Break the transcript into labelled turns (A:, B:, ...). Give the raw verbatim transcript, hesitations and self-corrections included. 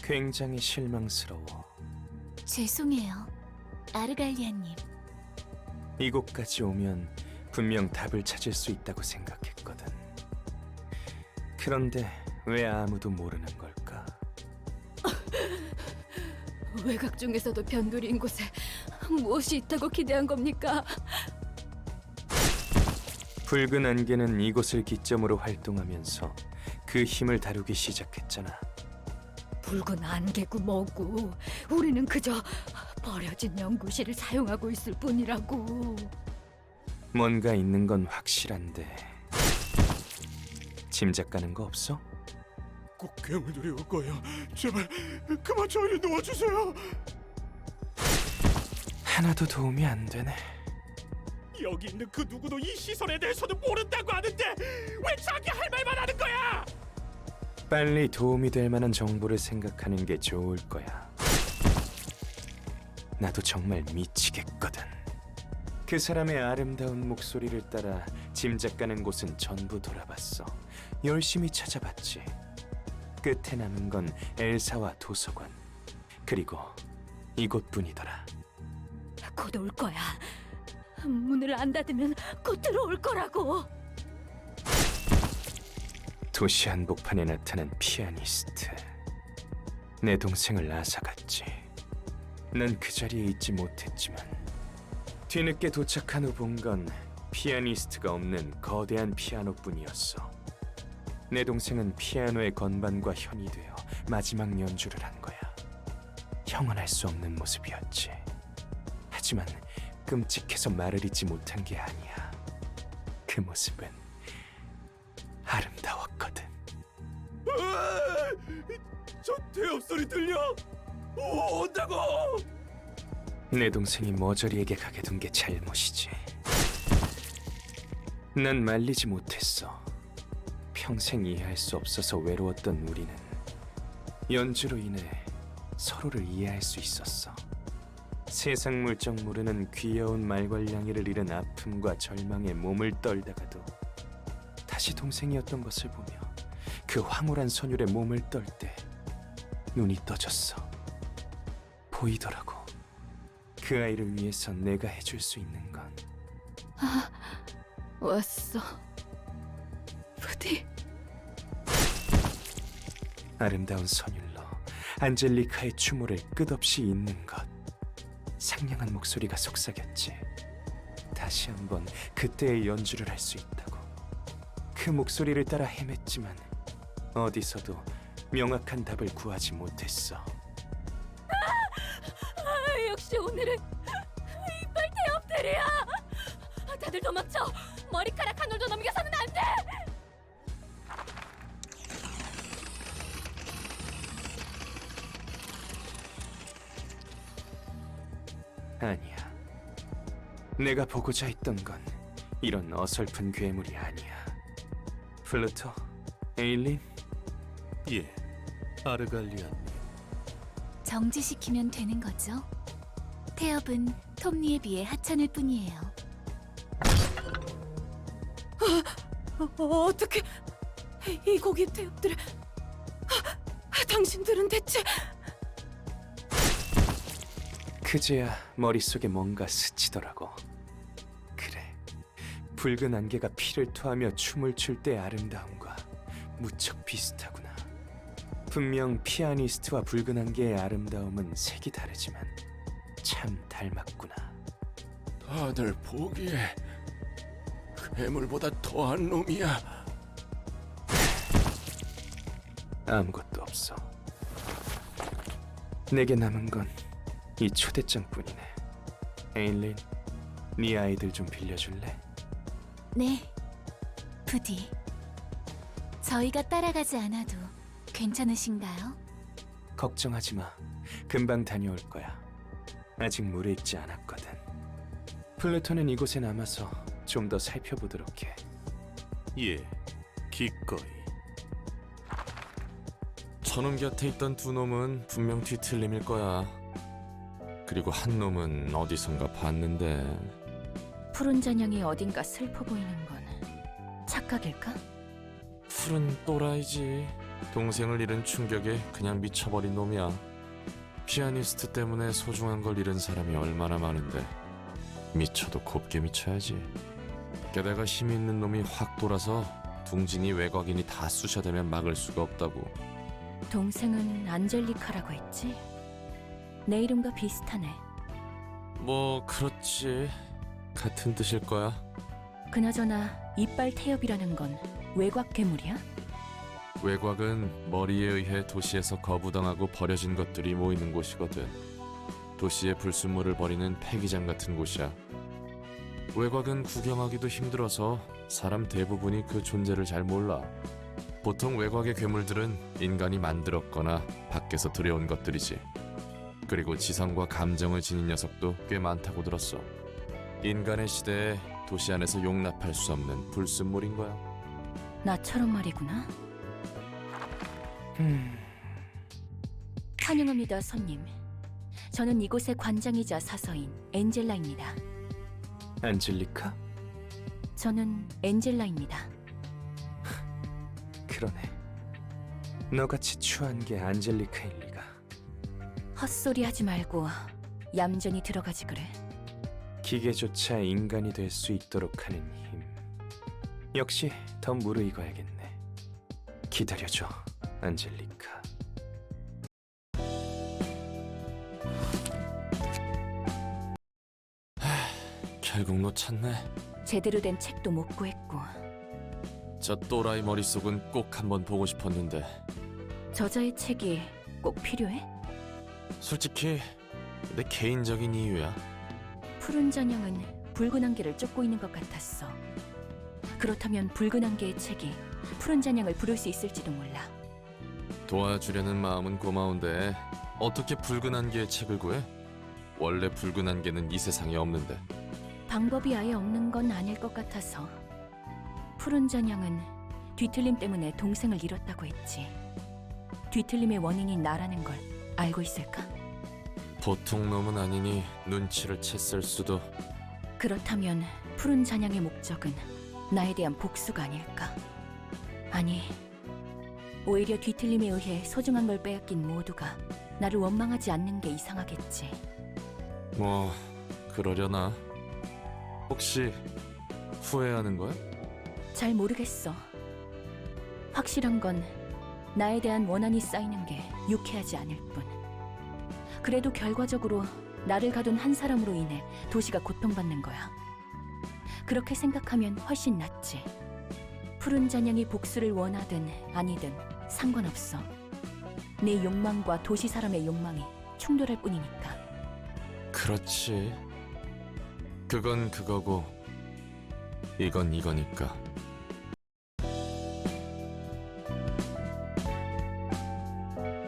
A: 굉장히 실망스러워.
B: 죄송해요, 아르갈리아님.
A: 이곳까지 오면 분명 답을 찾을 수 있다고 생각했거든. 그런데 왜 아무도 모르는 걸까?
B: 외곽 중에서도 변두리인 곳에 무엇이 있다고 기대한 겁니까?
A: 붉은 안개는 이곳을 기점으로 활동하면서 그 힘을 다루기 시작했잖아.
B: 붉은 안개고 뭐고 우리는 그저 버려진 연구실을 사용하고 있을 뿐이라고.
A: 뭔가 있는 건 확실한데 짐작 가는 거 없어?
C: 꼭 괴물들이 올 거예요. 제발 그만 저희를 놓아주세요.
A: 하나도 도움이 안 되네.
C: 여기 있는 그 누구도 이 시설에 대해서는 모른다고 하는데 왜 자기 할 말만 하는 거야?
A: 빨리 도움이 될 만한 정보를 생각하는 게 좋을 거야. 나도 정말 미치겠거든. 그 사람의 아름다운 목소리를 따라 짐작 가는 곳은 전부 돌아봤어. 열심히 찾아봤지. 끝에 남은 건 엘사와 도서관, 그리고 이곳뿐이더라.
B: 곧 올 거야. 문을 안 닫으면 곧 들어올 거라고.
A: 도시 한복판에 나타난 피아니스트. 내 동생을 앗아갔지. 난 그 자리에 있지 못했지만 뒤늦게 도착한 후 본 건 피아니스트가 없는 거대한 피아노뿐이었어. 내 동생은 피아노의 건반과 현이 되어 마지막 연주를 한 거야. 형언할 수 없는 모습이었지. 하지만 끔찍해서 말을 잇지 못한 게 아니야. 그 모습은 아름다웠거든.
C: 으아! 저 대업 소리 들려? 오, 온다고!
A: 내 동생이 머저리에게 가게 둔 게 잘못이지. 난 말리지 못했어. 평생 이해할 수 없어서 외로웠던 우리는 연주로 인해 서로를 이해할 수 있었어. 세상 물정 모르는 귀여운 말괄량이를 잃은 아픔과 절망에 몸을 떨다가도 다시 동생이었던 것을 보며 그 황홀한 선율에 몸을 떨 때 눈이 떠졌어. 보이더라고. 그 아이를 위해서 내가 해줄 수 있는 건
B: 왔어, 부디.
A: 아름다운 선율로 안젤리카의 추모를 끝없이 잇는 것. 상냥한 목소리가 속삭였지. 다시 한번 그때의 연주를 할 수 있다고. 그 목소리를 따라 헤맸지만 어디서도 명확한 답을 구하지 못했어.
B: 아, 역시 오늘은 이빨 태엽들이야. 다들 도망쳐. 머리카락 한 올도 넘겨서는 안 돼.
A: 아니야. 내가 보고자 했던 건 이런 어설픈 괴물이 아니야. 플루토, 에일린,
C: 예, 아르갈리아님.
B: 정지시키면 되는 거죠? 태엽은 톱니에 비해 하찮을 뿐이에요. 어, 어떻게 이 고기 태엽들을... 아, 당신들은 대체...
A: 그제야 머릿속에 뭔가 스치더라고. 그래, 붉은 안개가 피를 토하며 춤을 출 때의 아름다움과 무척 비슷하구나. 분명 피아니스트와 붉은 안개의 아름다움은 색이 다르지만 참 닮았구나.
C: 다들 보기에 괴물보다 더한 놈이야.
A: 아무것도 없어. 내게 남은 건 이 초대장뿐이네. 에일린, 네 아이들 좀 빌려줄래?
B: 네, 부디. 저희가 따라가지 않아도 괜찮으신가요?
A: 걱정하지 마. 금방 다녀올 거야. 아직 무르익지 않았거든. 플루토는 이곳에 남아서 좀 더 살펴보도록 해.
C: 예, 기꺼이. 저놈 곁에 있던 두 놈은 분명 뒤틀림일 거야. 그리고 한 놈은 어디선가 봤는데.
B: 푸른 전형이 어딘가 슬퍼 보이는 건 착각일까?
C: 푸른 또라이지. 동생을 잃은 충격에 그냥 미쳐버린 놈이야. 피아니스트 때문에 소중한 걸 잃은 사람이 얼마나 많은데 미쳐도 곱게 미쳐야지. 게다가 힘 있는 놈이 확 돌아서 둥진이 외곽인이 다 쑤셔대면 막을 수가 없다고.
B: 동생은 안젤리카라고 했지? 내 이름과 비슷하네.
C: 뭐 그렇지. 같은 뜻일 거야.
B: 그나저나 이빨 태엽이라는 건 외곽 괴물이야?
C: 외곽은 머리에 의해 도시에서 거부당하고 버려진 것들이 모이는 곳이거든. 도시의 불순물을 버리는 폐기장 같은 곳이야. 외곽은 구경하기도 힘들어서 사람 대부분이 그 존재를 잘 몰라. 보통 외곽의 괴물들은 인간이 만들었거나 밖에서 들여온 것들이지. 그리고 지성과 감정을 지닌 녀석도 꽤 많다고 들었어. 인간의 시대에 도시 안에서 용납할 수 없는 불순물인 거야.
B: 나처럼 말이구나.
A: 음,
B: 환영합니다, 손님. 저는 이곳의 관장이자 사서인 엔젤라입니다.
A: 안젤리카?
B: 저는 엔젤라입니다.
A: 그러네. 너같이 추한 게 안젤리카일 리가.
B: 헛소리 하지 말고 얌전히 들어가지 그래.
A: 기계조차 인간이 될 수 있도록 하는 힘. 역시 더 무르익어야겠네. 기다려줘, 안젤리카.
C: 결국 놓쳤네.
B: 제대로 된 책도 못 구했고
C: 저 또라이 머릿속은 꼭 한번 보고 싶었는데
B: 저자의 책이 꼭 필요해?
C: 솔직히 내 개인적인 이유야.
B: 푸른 잔향은 붉은 안개를 쫓고 있는 것 같았어. 그렇다면 붉은 안개의 책이 푸른 잔향을 부를 수 있을지도 몰라.
C: 도와주려는 마음은 고마운데 어떻게 붉은 안개의 책을 구해? 원래 붉은 안개는 이 세상에 없는데.
B: 방법이 아예 없는 건 아닐 것 같아서. 푸른 잔향은 뒤틀림 때문에 동생을 잃었다고 했지. 뒤틀림의 원인이 나라는 걸 알고 있을까?
C: 보통 놈은 아니니 눈치를 챘을 수도.
B: 그렇다면 푸른 잔향의 목적은 나에 대한 복수가 아닐까? 아니, 오히려 뒤틀림에 의해 소중한 걸 빼앗긴 모두가 나를 원망하지 않는 게 이상하겠지.
C: 뭐 그러려나? 혹시 후회하는 거야?
B: 잘 모르겠어. 확실한 건 나에 대한 원한이 쌓이는 게 유쾌하지 않을 뿐. 그래도 결과적으로 나를 가둔 한 사람으로 인해 도시가 고통받는 거야. 그렇게 생각하면 훨씬 낫지. 푸른 잔향이 복수를 원하든 아니든 상관없어. 내 욕망과 도시 사람의 욕망이 충돌할 뿐이니까.
C: 그렇지. 그건 그거고 이건 이거니까.